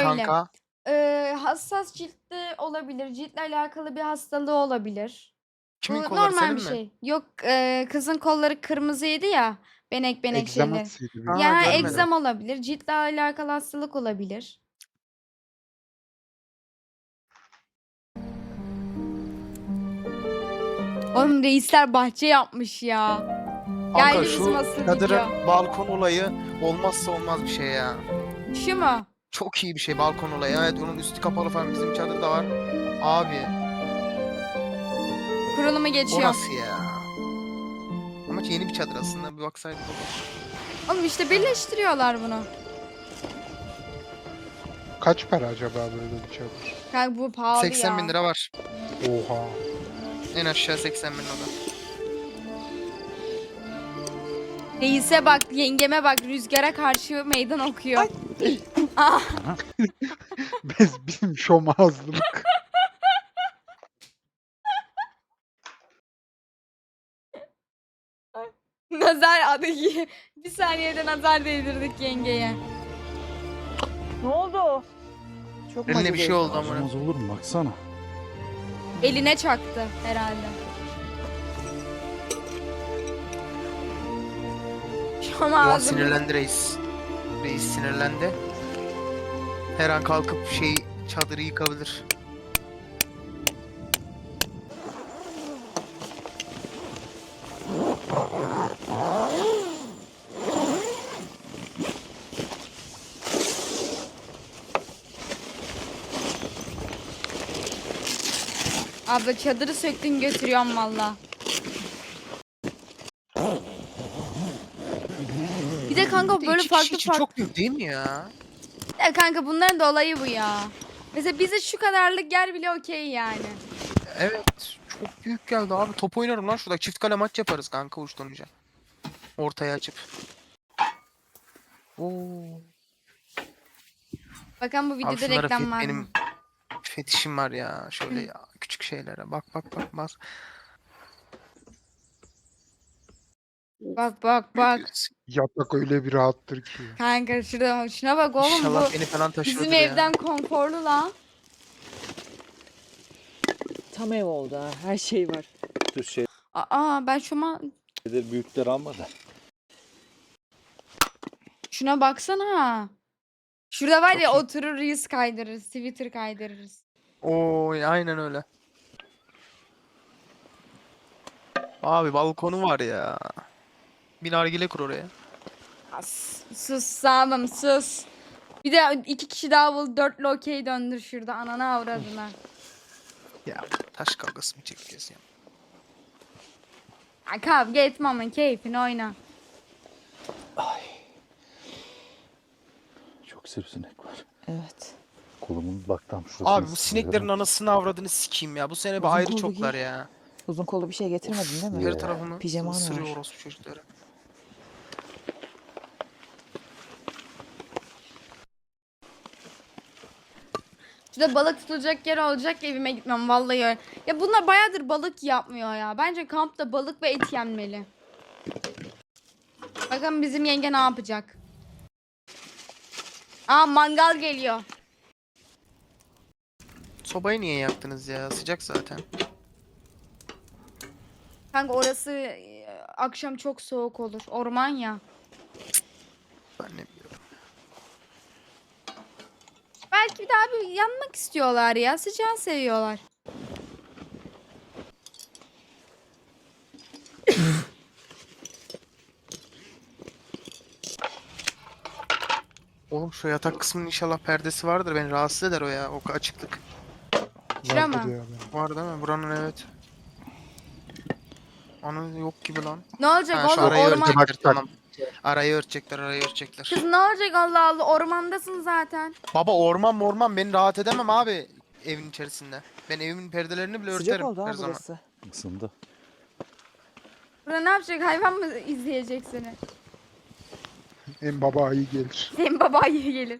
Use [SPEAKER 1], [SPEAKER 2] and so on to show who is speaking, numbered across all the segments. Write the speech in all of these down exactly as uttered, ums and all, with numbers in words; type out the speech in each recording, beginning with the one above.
[SPEAKER 1] kanka?
[SPEAKER 2] Eee, hassas ciltte olabilir. Ciltle alakalı bir hastalığı olabilir. Bu
[SPEAKER 1] Kimin kolları,
[SPEAKER 2] normal
[SPEAKER 1] senin
[SPEAKER 2] bir
[SPEAKER 1] mi?
[SPEAKER 2] şey. Yok, eee, kızın kolları kırmızıydı ya, benek benek şeyleri.
[SPEAKER 3] Egzamasıydı büyük
[SPEAKER 1] Ha,
[SPEAKER 2] Ya,
[SPEAKER 3] ihtimalle.
[SPEAKER 1] görmedim.
[SPEAKER 2] egzama olabilir, ciltle alakalı hastalık olabilir. Oğlum reisler bahçe yapmış ya.
[SPEAKER 1] Kanka
[SPEAKER 2] Geldi bizim
[SPEAKER 1] şu
[SPEAKER 2] asıl
[SPEAKER 1] çadırın
[SPEAKER 2] video.
[SPEAKER 1] balkon olayı olmazsa olmaz bir şey ya.
[SPEAKER 2] Şu mu?
[SPEAKER 1] Çok iyi bir şey balkon olayı. Evet, onun üstü kapalı falan, bizim çadırda var. Abi
[SPEAKER 2] Kurulumu
[SPEAKER 1] o
[SPEAKER 2] geçiyor.
[SPEAKER 1] nasıl ya? Ama yeni bir çadır aslında, bir baksaydık olur.
[SPEAKER 2] Oğlum işte birleştiriyorlar bunu.
[SPEAKER 3] Kaç para acaba böyle bir çadır?
[SPEAKER 2] Kanka bu pahalı
[SPEAKER 1] seksen bin
[SPEAKER 2] ya.
[SPEAKER 1] lira var.
[SPEAKER 3] Oha.
[SPEAKER 1] En aşağı seksen bin lira.
[SPEAKER 2] Reise bak, yengeme bak, rüzgara karşı meydan okuyor. Ah,
[SPEAKER 3] Biz bizim şomazlılık.
[SPEAKER 2] nazar adı bir saniyede nazar değdirdik yengeye.
[SPEAKER 4] Ne oldu? Çok
[SPEAKER 1] Eline bir şey oldu ama.
[SPEAKER 5] Acımaz olur mu baksana.
[SPEAKER 2] Eline çaktı herhalde. Şoma
[SPEAKER 1] Ulan
[SPEAKER 2] ağzım.
[SPEAKER 1] sinirlendi reis. Reis sinirlendi. Her an kalkıp şey çadırı yıkabilir.
[SPEAKER 2] Abla çadırı söktün götürüyorum valla. Bir de kanka
[SPEAKER 1] Bir de
[SPEAKER 2] böyle
[SPEAKER 1] iki kişi
[SPEAKER 2] farklı
[SPEAKER 1] için
[SPEAKER 2] farklı.
[SPEAKER 1] çok büyük değil mi ya?
[SPEAKER 2] Ya kanka bunların da olayı bu ya. Mesela bize şu kadarlık yer bile okey yani.
[SPEAKER 1] Evet. Çok büyük geldi abi. Top oynarım lan şurada. Çift kale maç yaparız kanka uçtan uca. Ortaya açıp. Oo.
[SPEAKER 2] Bakın bu
[SPEAKER 1] Abi
[SPEAKER 2] videoda
[SPEAKER 1] şunlara
[SPEAKER 2] reklam
[SPEAKER 1] fet-
[SPEAKER 2] var mı?
[SPEAKER 1] benim fetişim var ya. Şöyle ya, küçük şeylere. Bak bak bak bak.
[SPEAKER 2] Bak bak bak.
[SPEAKER 3] Yatak öyle bir rahattır ki.
[SPEAKER 2] Kanka şurada şuna bak oğlum
[SPEAKER 1] İnşallah
[SPEAKER 2] bu
[SPEAKER 1] beni falan taşırdır
[SPEAKER 2] bizim
[SPEAKER 1] ya.
[SPEAKER 2] evden konforlu lan.
[SPEAKER 4] Tam ev oldu ha. Her şey var.
[SPEAKER 5] Şu şeyleri
[SPEAKER 2] Aa ben şuna
[SPEAKER 5] büyükler alma da.
[SPEAKER 2] şuna baksana. Şurada var
[SPEAKER 1] Çok
[SPEAKER 2] ya
[SPEAKER 1] iyi.
[SPEAKER 2] oturur reels kaydırırız, Twitter kaydırırız.
[SPEAKER 1] Oo, aynen öyle. Abi balkonu var ya. Bir nargile kur oraya.
[SPEAKER 2] As, sus sağlam sus. Bir de iki kişi daha bul, dörtlü okey döndür şurada anana avradına.
[SPEAKER 1] Ya taş kavgası mı çekiyoruz ya?
[SPEAKER 2] Ya kavga etme ama keyfini oyna.
[SPEAKER 5] Çok sivrisinek var.
[SPEAKER 4] Evet.
[SPEAKER 5] Kolumun bak tam şurası.
[SPEAKER 1] Abi bu sineklerin anasını avradını sikeyim ya. Bu sene bir
[SPEAKER 4] Uzun
[SPEAKER 1] ayrı
[SPEAKER 4] kollu
[SPEAKER 1] çoklar
[SPEAKER 4] giy.
[SPEAKER 1] ya.
[SPEAKER 4] Uzun kollu bir şey getirmedin değil mi?
[SPEAKER 1] Her tarafımı
[SPEAKER 4] Pijaman
[SPEAKER 1] ısırıyor
[SPEAKER 4] var.
[SPEAKER 1] orospu çocukları.
[SPEAKER 2] Şurada balık tutulacak yer olacak evime gitmem vallahi öyle. Ya bunlar bayağıdır balık yapmıyor ya. Bence kampta balık ve et yenmeli. Bakın bizim yenge ne yapacak. Aa mangal geliyor.
[SPEAKER 1] Sobayı niye yaktınız ya? Sıcak zaten.
[SPEAKER 2] Kanka orası e, akşam çok soğuk olur. Orman ya.
[SPEAKER 1] Ben ne biliyorum.
[SPEAKER 2] Belki bir daha bir yanmak istiyorlar ya. Sıcağı seviyorlar.
[SPEAKER 1] Oğlum şu yatak kısmının inşallah perdesi vardır. Beni rahatsız eder o ya. O açıklık.
[SPEAKER 2] Şura
[SPEAKER 3] Vardır
[SPEAKER 2] mı?
[SPEAKER 3] ya benim.
[SPEAKER 1] Var değil mi? Buranın evet. Anı yok gibi lan.
[SPEAKER 2] Ne olacak
[SPEAKER 1] Ha, şu
[SPEAKER 2] oğlum
[SPEAKER 1] arayı
[SPEAKER 2] orman?
[SPEAKER 1] örtecekler tamam. Arayı örtecekler, arayı örtecekler.
[SPEAKER 2] Kız ne olacak Allah Allah ormandasın zaten.
[SPEAKER 1] Baba orman orman beni rahat edemem abi evin içerisinde. Ben evimin perdelerini bile
[SPEAKER 4] Sıcak
[SPEAKER 1] örterim
[SPEAKER 4] oldu
[SPEAKER 1] her
[SPEAKER 4] ha
[SPEAKER 1] zaman.
[SPEAKER 4] burası.
[SPEAKER 5] Isındı.
[SPEAKER 2] Burada ne yapacak hayvan mı izleyecek seni?
[SPEAKER 3] En baba ayı gelir.
[SPEAKER 2] Senin babayı gelir.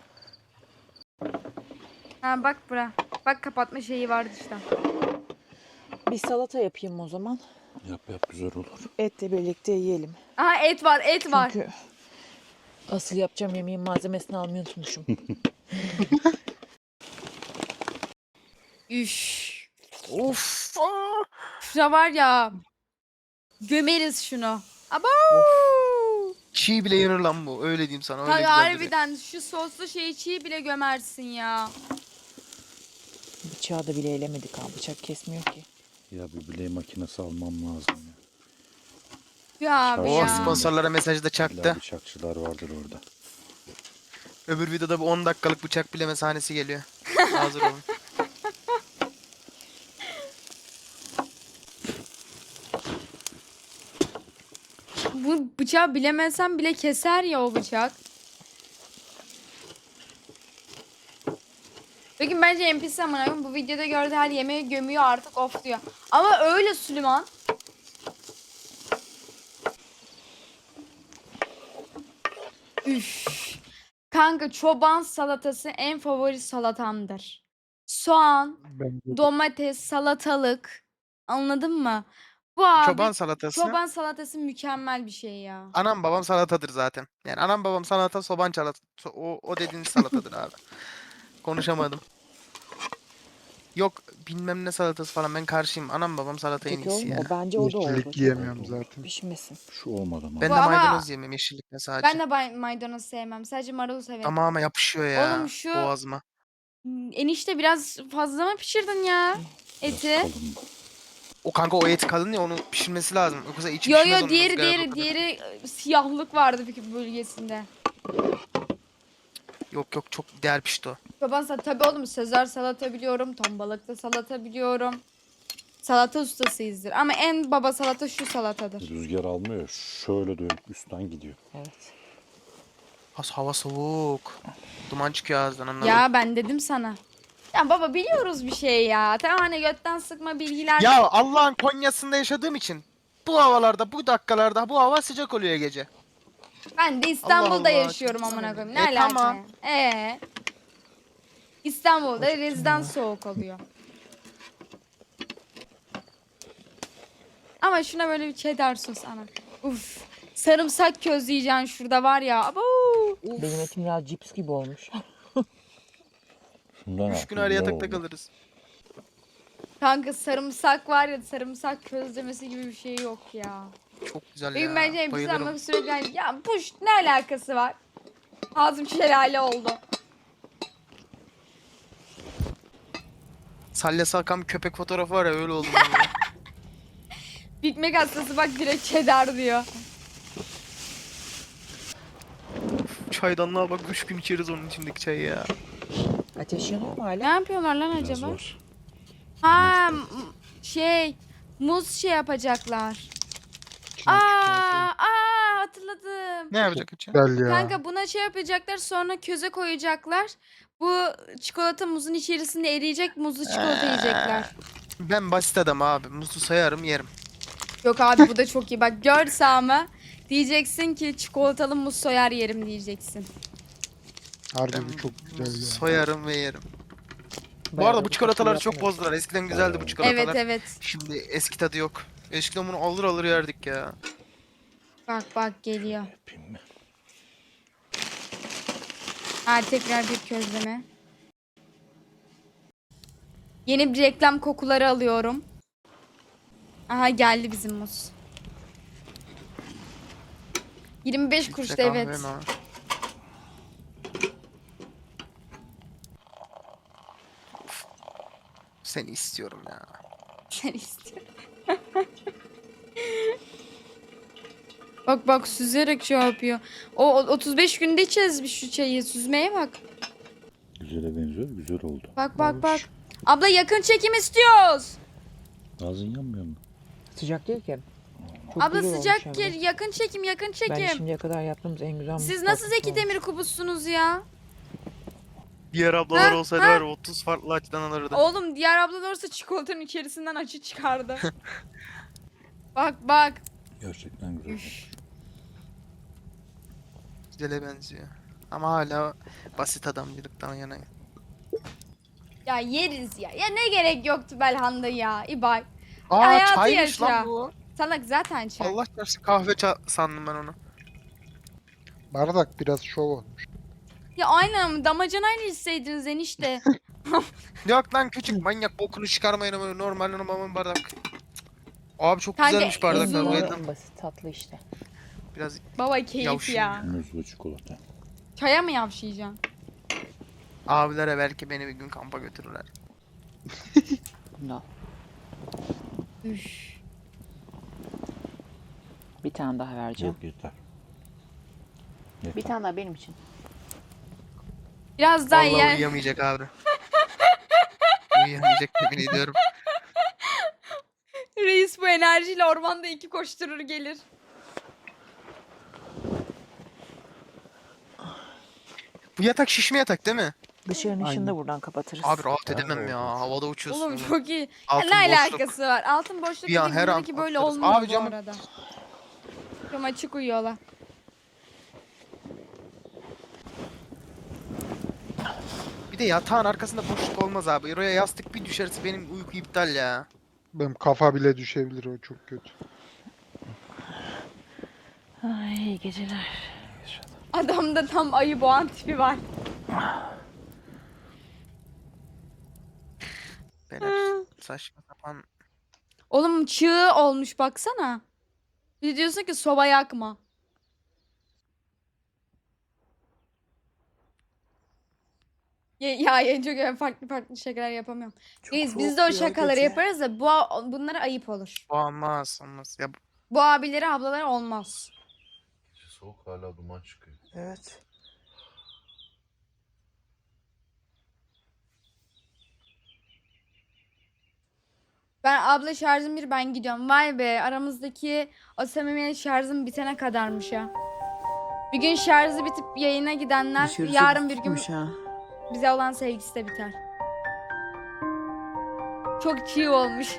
[SPEAKER 2] Ha bak bura. Bak kapatma şeyi var dışta.
[SPEAKER 4] Bir salata yapayım o zaman.
[SPEAKER 5] Yap yap güzel olur.
[SPEAKER 4] Etle birlikte yiyelim.
[SPEAKER 2] Aha et var et var.
[SPEAKER 4] Çünkü asıl yapacağım yemeğin malzemesini almayı unutmuşum.
[SPEAKER 2] Üş.
[SPEAKER 1] Of. aa!
[SPEAKER 2] Şuna var ya. Gömeriz şunu. Abo.
[SPEAKER 1] Çiğ bile yenir lan bu. Öyle diyeyim sana. Öyle
[SPEAKER 2] Hayır,
[SPEAKER 1] güzel duruyor.
[SPEAKER 2] harbiden şu soslu şeyi çiğ bile gömersin ya.
[SPEAKER 4] Bıçağı da bile elemedik ha. Bıçak kesmiyor ki.
[SPEAKER 5] Ya bir biley makinesi almam lazım ya.
[SPEAKER 2] Ya abi
[SPEAKER 1] Oh,
[SPEAKER 2] ya.
[SPEAKER 1] sponsorlara mesajı da
[SPEAKER 5] İlla
[SPEAKER 1] çaktı.
[SPEAKER 5] bıçakçılar vardır orada.
[SPEAKER 1] Öbür videoda bir on dakikalık bıçak bileme sahnesi geliyor. Hazır olun.
[SPEAKER 2] Bu bıçağı bilemesem bile keser ya o bıçak. Peki bence N P C amına koyayım bu videoda gördüğü her yemeği gömüyor artık of diyor. Ama öyle Süleyman. Üf. Kanka çoban salatası en favori salatamdır. Soğan,
[SPEAKER 3] Ben de
[SPEAKER 2] domates, salatalık. Anladın mı? Bu abi
[SPEAKER 1] Çoban salatası.
[SPEAKER 2] çoban salatası mükemmel bir şey ya.
[SPEAKER 1] Anam babam salatadır zaten. Yani anam babam salata, soban salata. O, o dediğiniz salatadır abi. Konuşamadım. Yok bilmem ne salatası falan ben karşıyım. Anam babam salata en
[SPEAKER 4] Peki
[SPEAKER 1] iyisi
[SPEAKER 4] oğlum
[SPEAKER 1] ya.
[SPEAKER 4] o bence o da oldu.
[SPEAKER 3] yeşillik yiyemiyorum zaten.
[SPEAKER 4] Pişmesin.
[SPEAKER 5] Şu olmadı mı?
[SPEAKER 1] Ben
[SPEAKER 2] Bu
[SPEAKER 1] de
[SPEAKER 2] ama-
[SPEAKER 1] maydanoz yemem yeşillikle sadece.
[SPEAKER 2] Ben de bay- maydanoz sevmem. Sadece marul severim.
[SPEAKER 1] Ama ama yapışıyor ya
[SPEAKER 2] Oğlum şu-
[SPEAKER 1] boğazıma.
[SPEAKER 2] Hmm, Enişte biraz fazla mı pişirdin ya
[SPEAKER 5] Biraz
[SPEAKER 2] eti?
[SPEAKER 5] kalın.
[SPEAKER 1] O kanka o et kalın ya onu pişirmesi lazım. Yoksa içi
[SPEAKER 2] Yo
[SPEAKER 1] pişmez
[SPEAKER 2] yo
[SPEAKER 1] onun
[SPEAKER 2] diğeri
[SPEAKER 1] ızgarada o
[SPEAKER 2] diğeri
[SPEAKER 1] kadar.
[SPEAKER 2] diğeri e, siyahlık vardı bir bölgesinde.
[SPEAKER 1] Yok yok çok değer pişti o.
[SPEAKER 2] Çoban salata tabii oğlum Sezar salata biliyorum. Ton balıklı salata biliyorum. Salata ustasıyızdır. Ama en baba salata şu salatadır.
[SPEAKER 5] Rüzgar almıyor. Şöyle dönüp üstten gidiyor.
[SPEAKER 4] Evet.
[SPEAKER 1] Has hava soğuk. Duman çıkıyor ağızdan anladın.
[SPEAKER 2] Ya ben dedim sana. Ya baba biliyoruz bir şey ya. Tamam hani götten sıkma bilgiler.
[SPEAKER 1] Ya Allah'ın Konya'sında yaşadığım için bu havalarda, bu dakikalarda bu hava sıcak oluyor gece.
[SPEAKER 2] Ben de İstanbul'da
[SPEAKER 1] Allah,
[SPEAKER 2] yaşıyorum
[SPEAKER 1] çok
[SPEAKER 2] amına
[SPEAKER 1] güzel.
[SPEAKER 2] koyayım. Ne
[SPEAKER 1] E,
[SPEAKER 2] alaka?
[SPEAKER 1] tamam.
[SPEAKER 2] Ee. İstanbul'da reziden soğuk oluyor. Ama şuna böyle bir cheddar sos ana. Uf. Sarımsak közleyeceksin şurada var ya. Abo.
[SPEAKER 4] Benim etim ya cips gibi olmuş.
[SPEAKER 5] Şundan
[SPEAKER 1] Üç
[SPEAKER 5] al,
[SPEAKER 1] gün araya
[SPEAKER 5] güzel
[SPEAKER 1] yatakta
[SPEAKER 5] oldu.
[SPEAKER 1] kalırız.
[SPEAKER 2] Kanka sarımsak var ya sarımsak közlemesi gibi bir şey yok ya.
[SPEAKER 1] Çok güzel
[SPEAKER 2] Benim
[SPEAKER 1] ya.
[SPEAKER 2] bence N P C
[SPEAKER 1] Bayılırım.
[SPEAKER 2] almak sürekli hani, ya puş ne alakası var? Ağzım şelale oldu.
[SPEAKER 1] Salya Salkan bir köpek fotoğrafı var ya öyle oldum. ben ya.
[SPEAKER 2] Big Mac hastası bak direkt cheddar diyor.
[SPEAKER 1] Çaydanlığa bak üç gün içeriz onun içindeki çayı ya.
[SPEAKER 4] Ateş yanıyor mu
[SPEAKER 2] Ne
[SPEAKER 4] hala?
[SPEAKER 2] yapıyorlar lan
[SPEAKER 5] Biraz
[SPEAKER 2] acaba?
[SPEAKER 5] var.
[SPEAKER 2] Ha m- şey muz şey yapacaklar.
[SPEAKER 3] İçine
[SPEAKER 2] Aa, aa hatırladım.
[SPEAKER 1] Ne yapacak için?
[SPEAKER 3] Güzel ya.
[SPEAKER 2] Kanka buna şey yapacaklar sonra köze koyacaklar. Bu çikolata muzun içerisinde eriyecek muzlu çikolata yiyecekler.
[SPEAKER 1] Ben basit adam abi. Muzlu sayarım yerim.
[SPEAKER 2] Yok abi bu da çok iyi. Bak gör Sami. Diyeceksin ki çikolatalı muz soyar yerim diyeceksin.
[SPEAKER 3] Harbi
[SPEAKER 1] Ben
[SPEAKER 3] bu çok güzel ya.
[SPEAKER 1] soyarım ve yerim. Bu
[SPEAKER 4] Bayağı
[SPEAKER 1] arada
[SPEAKER 4] da
[SPEAKER 1] bu çikolataları çok
[SPEAKER 4] yapmıyoruz.
[SPEAKER 1] bozdular. Eskiden güzeldi bu çikolatalar.
[SPEAKER 2] Evet evet.
[SPEAKER 1] Şimdi eski tadı yok. Eskiden bunu alır alır yerdik ya.
[SPEAKER 2] Bak bak geliyor.
[SPEAKER 5] Yapayım mı?
[SPEAKER 2] Ha tekrar bir közleme. Yeni bir reklam kokuları alıyorum. Aha geldi bizim muz. yirmi beş
[SPEAKER 1] Filtre
[SPEAKER 2] kuruştu
[SPEAKER 1] kahve
[SPEAKER 2] evet.
[SPEAKER 1] mi abi? Seni istiyorum ya.
[SPEAKER 2] Sen istiyorum. Bak bak süzerek şey yapıyor. O o- otuz beş günde içeceğiz bir şu çayı. Süzmeye bak.
[SPEAKER 5] Güzele benziyor. Güzel oldu.
[SPEAKER 2] Bak bak
[SPEAKER 3] Olmuş.
[SPEAKER 2] bak. Abla yakın çekim istiyoruz.
[SPEAKER 5] Ağzın yanmıyor mu?
[SPEAKER 4] Sıcak değil ki. Çok
[SPEAKER 2] Abla
[SPEAKER 4] güzel
[SPEAKER 2] sıcak
[SPEAKER 4] olmuş
[SPEAKER 2] gel
[SPEAKER 4] hem de.
[SPEAKER 2] yakın çekim yakın
[SPEAKER 4] Ben
[SPEAKER 2] çekim.
[SPEAKER 4] şimdiye kadar yaptığımız en güzel
[SPEAKER 2] Siz
[SPEAKER 4] mutfak
[SPEAKER 2] nasıl Zeki
[SPEAKER 4] mutfağı.
[SPEAKER 2] Demir kubussunuz ya?
[SPEAKER 1] Diğer ablalar
[SPEAKER 2] Ha,
[SPEAKER 1] olsaydı
[SPEAKER 2] ha.
[SPEAKER 1] var ya otuz farklı açıdan alırdı.
[SPEAKER 2] Oğlum diğer ablalar olsa çikolatanın içerisinden açı çıkardı. Bak bak.
[SPEAKER 5] Gerçekten güzel.
[SPEAKER 2] Üf.
[SPEAKER 1] Güzele benziyor. Ama hala basit adamcılıktan yanayım.
[SPEAKER 2] Ya yeriz ya. Ya ne gerek yoktu Belhanda ya. İbay.
[SPEAKER 1] Aa
[SPEAKER 2] hayatı
[SPEAKER 1] çaymış
[SPEAKER 2] yaşa.
[SPEAKER 1] lan bu.
[SPEAKER 2] Salak zaten çay.
[SPEAKER 1] Allah çarşı kahve ça- sandım ben onu.
[SPEAKER 3] Bardak biraz şov olmuş.
[SPEAKER 2] Ya aynen damacanayla içseydiniz enişte.
[SPEAKER 1] Yok lan küçük manyak bokunu çıkarmayın ama normal normal bardak. Abi çok
[SPEAKER 2] Kanka,
[SPEAKER 1] güzelmiş bardaklar.
[SPEAKER 2] ezildi.
[SPEAKER 1] Bayıldım.
[SPEAKER 4] En basit tatlı işte.
[SPEAKER 1] Biraz
[SPEAKER 2] Baba keyif
[SPEAKER 1] Yavşayım
[SPEAKER 2] ya.
[SPEAKER 5] Muzlu çikolata.
[SPEAKER 2] Çaya mı yavşayacaksın?
[SPEAKER 1] abilere belki beni bir gün kampa götürürler.
[SPEAKER 4] No.
[SPEAKER 2] Üf.
[SPEAKER 4] Bir tane daha vereceğim.
[SPEAKER 5] Yok yeter.
[SPEAKER 4] Bir
[SPEAKER 5] Yeter.
[SPEAKER 4] tane daha benim için.
[SPEAKER 2] Biraz daha
[SPEAKER 1] Vallahi
[SPEAKER 2] yer.
[SPEAKER 1] uyuyamayacak abi. Uyuyamayacak yemin ediyorum.
[SPEAKER 2] Reis bu enerjiyle ormanda iki koşturur gelir.
[SPEAKER 1] Bu yatak şişme yatak değil mi?
[SPEAKER 4] Dışarının ışığını da
[SPEAKER 3] Aynen.
[SPEAKER 4] buradan kapatırız.
[SPEAKER 1] Abi rahat
[SPEAKER 5] Ha,
[SPEAKER 1] edemem ya.
[SPEAKER 5] olmaz.
[SPEAKER 1] Havada uçuyorsun.
[SPEAKER 2] Oğlum
[SPEAKER 1] oğlum.
[SPEAKER 2] çok iyi. Ya
[SPEAKER 1] Altın
[SPEAKER 2] ne
[SPEAKER 1] boşluk.
[SPEAKER 2] alakası var? Altın boşluk
[SPEAKER 1] Bir an,
[SPEAKER 2] dedik
[SPEAKER 1] her an
[SPEAKER 2] buradaki böyle
[SPEAKER 1] atlarız.
[SPEAKER 2] olmuyor
[SPEAKER 1] Abi
[SPEAKER 2] bu
[SPEAKER 1] camı-
[SPEAKER 2] arada. Cam açık uyuyorlar.
[SPEAKER 1] Bir de yatağın arkasında boşluk olmaz abi. Oraya yastık bir düşerse benim uyku iptal ya.
[SPEAKER 3] Benim kafa bile düşebilir, o çok kötü.
[SPEAKER 4] Ay iyi geceler.
[SPEAKER 2] Adamda tam ayı boğan tipi var.
[SPEAKER 1] Beyler saçma sapan.
[SPEAKER 2] Oğlum çığ olmuş baksana. Bir de diyorsun ki soba yakma. Ya, ya, ya çok öyle farklı farklı şakalar yapamıyorum. Reis biz de o şakaları yaparız da bu bunlara ayıp olur.
[SPEAKER 1] Olmaz olmaz. Ya
[SPEAKER 2] Bu abileri ablaları olmaz.
[SPEAKER 6] Soğuk hala duman çıkıyor.
[SPEAKER 4] Evet.
[SPEAKER 2] Ben abla şarjım bir ben gidiyorum. Vay be aramızdaki o samimiyet şarjım bitene kadarmış ya. Bir gün şarjı bitip yayına gidenler
[SPEAKER 4] Dışarısı
[SPEAKER 2] yarın bir gün
[SPEAKER 4] tutmuş ha.
[SPEAKER 2] bize olan sevgisi de biter. Çok çiğ olmuş.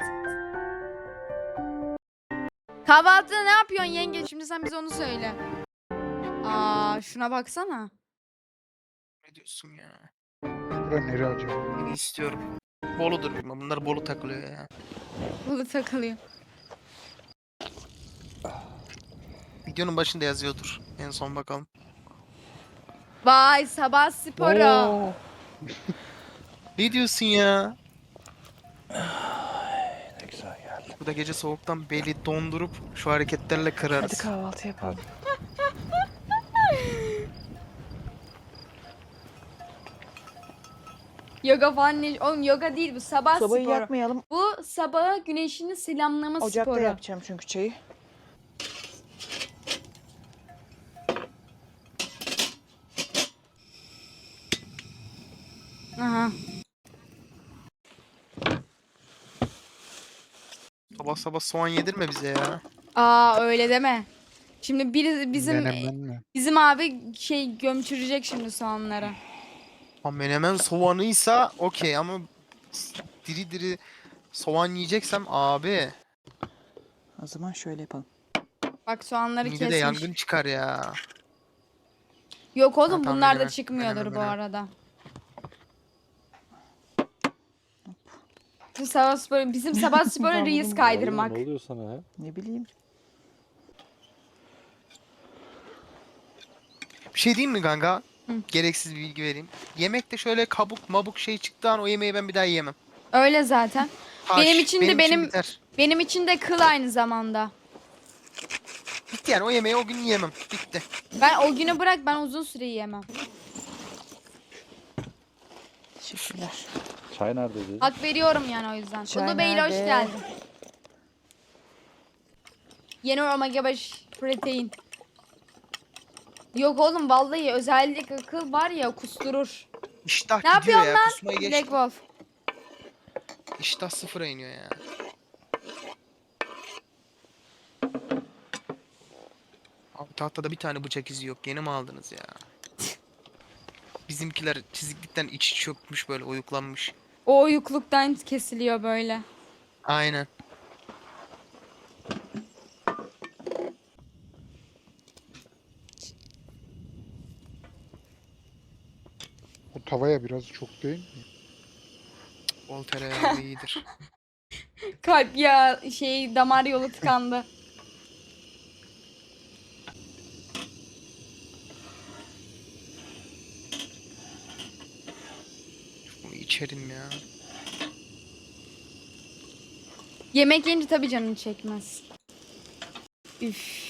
[SPEAKER 2] Kahvaltıda ne yapıyorsun yenge? Şimdi sen bize onu söyle. Aa şuna baksana.
[SPEAKER 1] ne diyorsun ya?
[SPEAKER 3] Bura nere acaba?
[SPEAKER 1] Beni istiyorum. Bolu'dur bilmem. Bunlar Bolu takılıyor ya.
[SPEAKER 2] Bunu takılıyor.
[SPEAKER 1] Videonun başında yazıyordur. En son bakalım.
[SPEAKER 2] Vay sabah sporu.
[SPEAKER 4] Oo.
[SPEAKER 1] Ne diyorsun ya?
[SPEAKER 5] Ne güzel geldi.
[SPEAKER 1] Bu da gece soğuktan beli dondurup şu hareketlerle
[SPEAKER 4] Hadi
[SPEAKER 1] kırarız.
[SPEAKER 4] kahvaltı yapalım.
[SPEAKER 2] Yoga falan ne? Oğlum yoga değil bu sabah
[SPEAKER 4] Sobayı
[SPEAKER 2] sporu.
[SPEAKER 4] yakmayalım.
[SPEAKER 2] Bu sabah güneşini selamlama
[SPEAKER 4] Ocakta
[SPEAKER 2] sporu.
[SPEAKER 4] yapacağım çünkü çayı.
[SPEAKER 2] Aha.
[SPEAKER 1] Sabah sabah soğan yedirme bize ya.
[SPEAKER 2] Aa öyle deme. Şimdi biri bizim
[SPEAKER 3] Menemen mi?
[SPEAKER 2] bizim abi şey gömçürecek şimdi soğanları.
[SPEAKER 1] Ha menemen soğanıysa okey ama diri diri soğan yiyeceksem abi
[SPEAKER 4] O zaman şöyle yapalım.
[SPEAKER 2] Bak soğanları
[SPEAKER 1] midede
[SPEAKER 2] kesmiş.
[SPEAKER 1] yangın çıkar ya.
[SPEAKER 2] Yok
[SPEAKER 1] Ha,
[SPEAKER 2] oğlum
[SPEAKER 1] tamam,
[SPEAKER 2] bunlar da
[SPEAKER 1] menemen,
[SPEAKER 2] çıkmıyordur
[SPEAKER 1] menemen,
[SPEAKER 2] bu
[SPEAKER 1] menemen.
[SPEAKER 2] arada. Bu sabah sporu, bizim sabah sporu
[SPEAKER 4] Ben
[SPEAKER 2] reis
[SPEAKER 4] bunu-
[SPEAKER 2] kaydırmak.
[SPEAKER 5] Ne oluyor sana ya?
[SPEAKER 4] Ne bileyim.
[SPEAKER 1] Bir şey diyeyim mi kanka?
[SPEAKER 2] Hı.
[SPEAKER 1] Gereksiz bir bilgi vereyim. Yemekte şöyle kabuk mabuk şey çıktığı an o yemeği ben bir daha yiyemem.
[SPEAKER 2] Öyle zaten.
[SPEAKER 1] Taş,
[SPEAKER 2] Benim için de benim-
[SPEAKER 1] biter.
[SPEAKER 2] Benim için de kıl aynı zamanda.
[SPEAKER 1] Bitti yani o yemeği o gün yiyemem. Bitti.
[SPEAKER 2] Ben o günü bırak ben uzun süre yiyemem.
[SPEAKER 4] Teşekkürler.
[SPEAKER 5] Çay neredeydi?
[SPEAKER 2] Hak veriyorum yani o yüzden.
[SPEAKER 4] Çay
[SPEAKER 2] Ulu Bey'le hoş
[SPEAKER 4] nerede?
[SPEAKER 2] geldin. Yeni omega beş protein. Yok oğlum vallahi özellikle kıl var ya kusturur.
[SPEAKER 1] İştah
[SPEAKER 2] Ne
[SPEAKER 1] gidiyor
[SPEAKER 2] yapıyorsun
[SPEAKER 1] ya.
[SPEAKER 2] lan?
[SPEAKER 1] Kusmayı geç.
[SPEAKER 2] Black Wolf.
[SPEAKER 1] İştah sıfıra iniyor ya. Abi tahtada bir tane bıçak izi yok. Yeni mi aldınız ya? Bizimkiler çiziklikten içi çökmüş böyle uyuklanmış.
[SPEAKER 2] O uyukluktan kesiliyor böyle.
[SPEAKER 1] Aynen.
[SPEAKER 3] O tavaya biraz çok değil mi?
[SPEAKER 1] Bol tereyağı iyidir.
[SPEAKER 2] Kalp ya şey damar yolu tıkandı.
[SPEAKER 1] içerim ya.
[SPEAKER 2] Yemek yiyince tabii canını çekmez. Üf.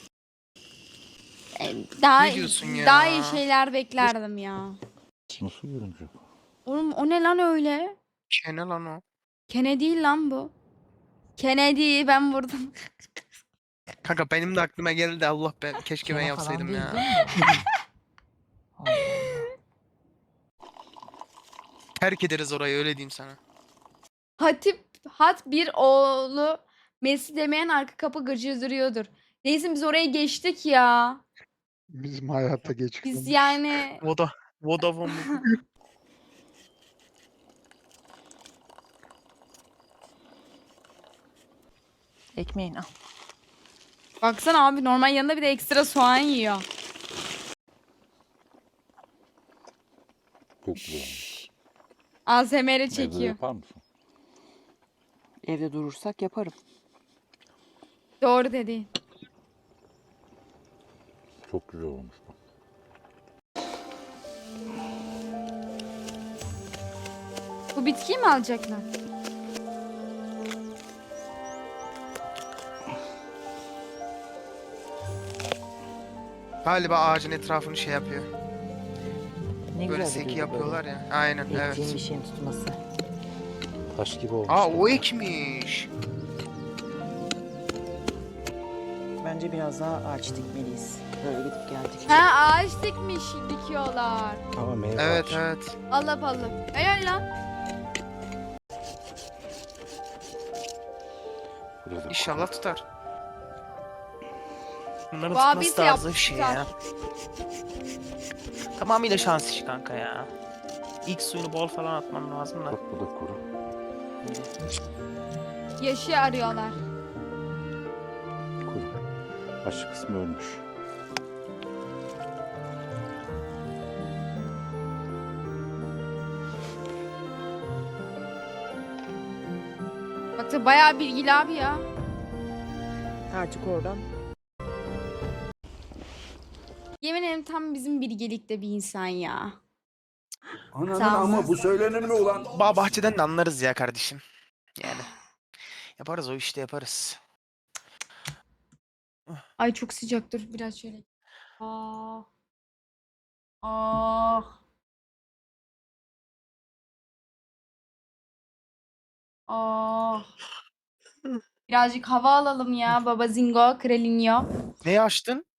[SPEAKER 2] E, Daha,
[SPEAKER 1] Ne diyorsun ya?
[SPEAKER 2] daha iyi şeyler beklerdim ya.
[SPEAKER 5] Nasıl görünecek?
[SPEAKER 2] Oğlum o ne lan öyle?
[SPEAKER 1] Kene lan o.
[SPEAKER 2] Kene değil lan bu. Kennedy ben vurdum.
[SPEAKER 1] Kanka benim de aklıma geldi Allah ben keşke ben
[SPEAKER 4] Kene falan
[SPEAKER 1] yapsaydım
[SPEAKER 4] değil,
[SPEAKER 1] ya.
[SPEAKER 4] değil mi? Allah Allah.
[SPEAKER 1] Terk ederiz orayı öyle diyeyim sana.
[SPEAKER 2] Hatip hat bir oğlu Messi demeyen arka kapı gıcır duruyordur. Neyse biz oraya geçtik ya.
[SPEAKER 3] Bizim hayata geç
[SPEAKER 2] Biz
[SPEAKER 3] kalmış.
[SPEAKER 2] yani
[SPEAKER 1] Voda. Vodafone mu?
[SPEAKER 4] Ekmeğin al.
[SPEAKER 2] baksana abi normal yanında bir de ekstra soğan yiyor.
[SPEAKER 5] Çok güzel olmuş.
[SPEAKER 2] A S M R
[SPEAKER 5] Evde
[SPEAKER 2] çekiyor.
[SPEAKER 5] yapar mısın?
[SPEAKER 4] Evde durursak yaparım.
[SPEAKER 2] Doğru dedi.
[SPEAKER 5] Çok güzel olmuş bak.
[SPEAKER 2] Bu bitkiyi mi alacaklar?
[SPEAKER 1] Galiba ağacın etrafını şey yapıyor.
[SPEAKER 4] Ne
[SPEAKER 1] Böyle
[SPEAKER 4] güzel
[SPEAKER 1] seki
[SPEAKER 4] duruyor böyle.
[SPEAKER 1] yapıyorlar ya. Aynen
[SPEAKER 4] Ektiğin
[SPEAKER 1] evet.
[SPEAKER 4] bir şeyin tutması.
[SPEAKER 5] Taş gibi olmuş.
[SPEAKER 1] Aa o ekmiş.
[SPEAKER 4] Bence biraz daha ağaç dikmeliyiz. Böyle gidip geldik.
[SPEAKER 2] Ha ağaç dikmiş dikiyorlar.
[SPEAKER 5] Ama meyve
[SPEAKER 1] Evet
[SPEAKER 5] ağaç.
[SPEAKER 1] evet.
[SPEAKER 2] Allah Allah. Helal lan.
[SPEAKER 5] Biraz da
[SPEAKER 1] İnşallah tutar. Bunların
[SPEAKER 2] Bu
[SPEAKER 1] tutması
[SPEAKER 2] abisi
[SPEAKER 1] da az
[SPEAKER 2] yaptı,
[SPEAKER 1] bir şey
[SPEAKER 2] tutar.
[SPEAKER 1] ya. Tamamıyla şans işi kanka ya. İlk suyunu bol falan atman lazım da.
[SPEAKER 5] Bak bu da kuru.
[SPEAKER 2] Yaşı arıyorlar.
[SPEAKER 5] Kuru. Başı kısmı ölmüş.
[SPEAKER 2] Bak da bayağı bilgili abi ya.
[SPEAKER 4] Artık oradan
[SPEAKER 2] Yemin ederim tam bizim bilgelikte bir insan ya.
[SPEAKER 7] Ananın
[SPEAKER 2] Sağ ol.
[SPEAKER 7] ama bu söylenir mi ulan?
[SPEAKER 1] Bağ bahçeden de anlarız ya kardeşim. Yani. Yaparız o işte yaparız.
[SPEAKER 2] Ay çok sıcak dur biraz şöyle. Ah. Ah. Ah. Birazcık hava alalım ya baba Zingo, Kralinho.
[SPEAKER 1] Neyi açtın?